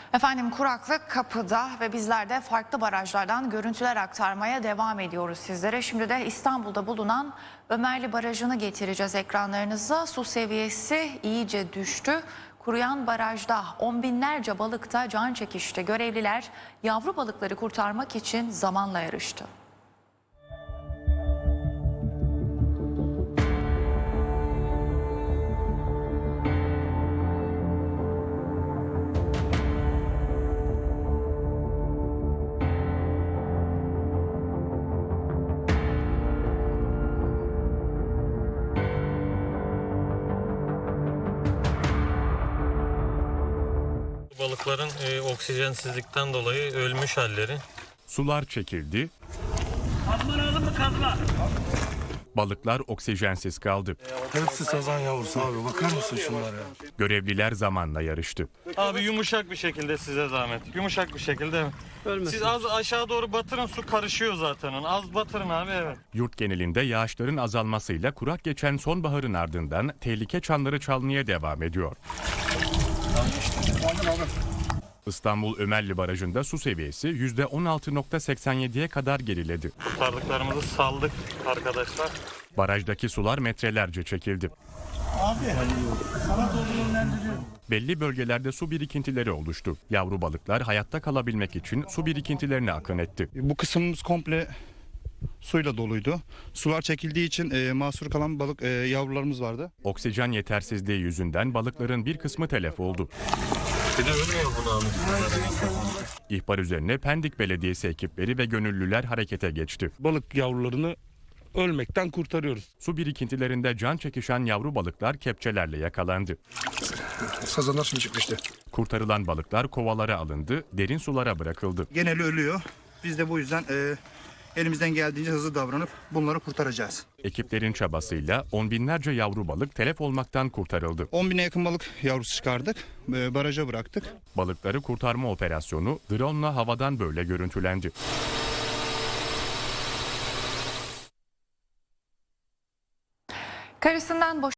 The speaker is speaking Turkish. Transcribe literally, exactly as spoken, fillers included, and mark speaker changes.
Speaker 1: Efendim kuraklık kapıda ve bizler de farklı barajlardan görüntüler aktarmaya devam ediyoruz sizlere. Şimdi de İstanbul'da bulunan Ömerli Barajı'nı getireceğiz ekranlarınıza. Su seviyesi iyice düştü. Kuruyan barajda on binlerce balıkta can çekişti. Görevliler yavru balıkları kurtarmak için zamanla yarıştı.
Speaker 2: Balıkların e, oksijensizlikten dolayı ölmüş halleri.
Speaker 3: Sular çekildi.
Speaker 4: Kazma aldın mı kazma?
Speaker 3: Balıklar oksijensiz kaldı.
Speaker 5: Hepsi sazan yavrusu abi, bakar mısın şunlara?
Speaker 3: Görevliler zamanla yarıştı.
Speaker 2: Abi yumuşak bir şekilde size zahmet. Yumuşak bir şekilde. Ölmesin. Siz az aşağı doğru batırın, su karışıyor zaten. Az batırın abi, evet.
Speaker 3: Yurt genelinde yağışların azalmasıyla kurak geçen sonbaharın ardından tehlike çanları çalmaya devam ediyor. İstanbul Ömerli Barajı'nda su seviyesi yüzde on altı nokta seksen yediye kadar geriledi.
Speaker 2: Kurtardıklarımızı saldık arkadaşlar.
Speaker 3: Barajdaki sular metrelerce çekildi.
Speaker 4: Abi sana doldurulendiriyor.
Speaker 3: Belli bölgelerde su birikintileri oluştu. Yavru balıklar hayatta kalabilmek için su birikintilerine akın etti.
Speaker 6: Bu kısmımız komple suyla doluydu. Sular çekildiği için e, mahsur kalan balık e, yavrularımız vardı.
Speaker 3: Oksijen yetersizliği yüzünden balıkların bir kısmı telef oldu.
Speaker 2: Bir de ölmüyor bunu abi.
Speaker 3: İhbar üzerine Pendik Belediyesi ekipleri ve gönüllüler harekete geçti.
Speaker 5: Balık yavrularını ölmekten kurtarıyoruz.
Speaker 3: Su birikintilerinde can çekişen yavru balıklar kepçelerle yakalandı.
Speaker 5: Sazanlar şimdi çıktı işte.
Speaker 3: Kurtarılan balıklar kovalara alındı, derin sulara bırakıldı.
Speaker 6: Geneli ölüyor. Biz de bu yüzden e, elimizden geldiğince hızlı davranıp bunları kurtaracağız.
Speaker 3: Ekiplerin çabasıyla on binlerce yavru balık telef olmaktan kurtarıldı.
Speaker 6: on bine yakın balık yavrusu çıkardık. E, baraja bıraktık.
Speaker 3: Balıkları kurtarma operasyonu drone'la havadan böyle görüntülendi.
Speaker 1: Karısından boş